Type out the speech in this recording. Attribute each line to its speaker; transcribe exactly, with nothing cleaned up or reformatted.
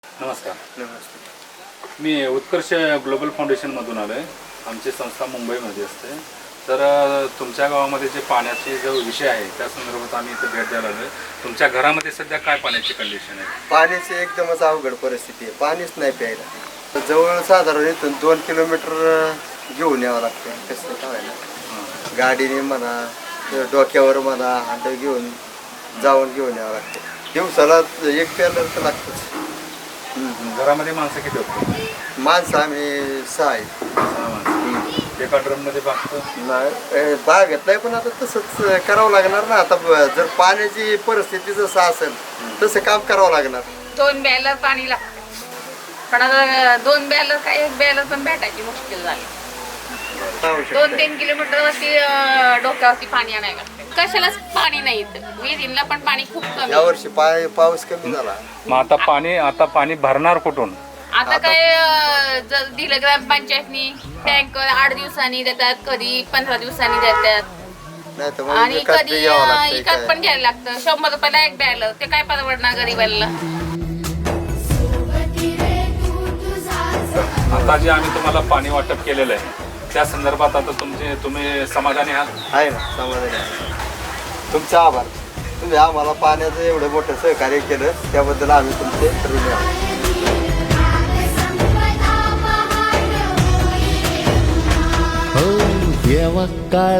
Speaker 1: नमस्कार.
Speaker 2: नमस्ते.
Speaker 1: मी उत्कर्ष ग्लोबल फाउंडेशनमधून आलो आहे. आमची संस्था मुंबईमध्ये असते. तर अ, तुमच्या गावामध्ये जे पाण्याचे जो विषय आहे त्या संदर्भात आम्ही इथे भेट द्यायला आलो आहे. तुमच्या घरामध्ये सध्या काय पाण्याची कंडिशन आहे?
Speaker 2: पाण्याची एकदमच अवघड परिस्थिती आहे. पाणीच नाही प्यायला. जवळ साधारण इथून दोन किलोमीटर घेऊन यावं लागतं. कसं काय ना,
Speaker 1: हां.
Speaker 2: गाडीने म्हणा, डोक्यावर म्हणा, हांड घेऊन जाऊन घेऊन यावं लागतं. दिवसाला एक प्यायला तर लागतंच.
Speaker 1: घरामध्ये माणसं किती होती?
Speaker 2: माणसं आम्ही सहा आहेत.
Speaker 1: सहा माणसं. एका ड्रममध्ये बागतं?
Speaker 2: नाही बागेत नाही, पण आता तसंच करावं लागणार ना. आता ब- जर पाण्याची परिस्थिती जसं असेल तसं काम करावं लागणार.
Speaker 3: दोन बॅलर पाणी लागतं, पण आता दोन बॅलर काय एक बॅलर पण भेटायची मुश्किल झाली. दोन तीन किलोमीटर वरती अं, डोक्यावरती पाणी आणायला लागतं. कशालाच पाणी नाही इथं. विहिरीला पण पाणी खूप कमी.
Speaker 2: यावर्षी पाय पाऊस कमी झाला.
Speaker 1: मग आता पाणी आता पाणी भरणार कुठून?
Speaker 3: आता काय अं, जर दिलं ग्रामपंचायतनी टँकर आठ दिवसांनी देतात, कधी पंधरा दिवसांनी देतात,
Speaker 2: नाही तर
Speaker 3: आणि
Speaker 2: मग विकत
Speaker 3: कधी
Speaker 2: बी घ्यावं
Speaker 3: अं,
Speaker 2: लागतंय
Speaker 3: विकत
Speaker 2: काय.
Speaker 3: पण घ्यायला लागतं. शंभर रुपयाला एक बॅलर, ते काय परवडणार गरीबाला.
Speaker 1: आता जे आम्ही तुम्हाला पाणी वाटप केलेलं आहे त्या संदर्भात आता तुमचे तुम्ही समाधानी आहात?
Speaker 2: आहे ना, समाधानी आहे. तुमचे आभार. तुम्ही आम्हाला पाण्याचं एवढं मोठं सहकार्य केलं त्याबद्दल आम्ही तुमचे ऋणी आहोत.
Speaker 4: हो देवा काळ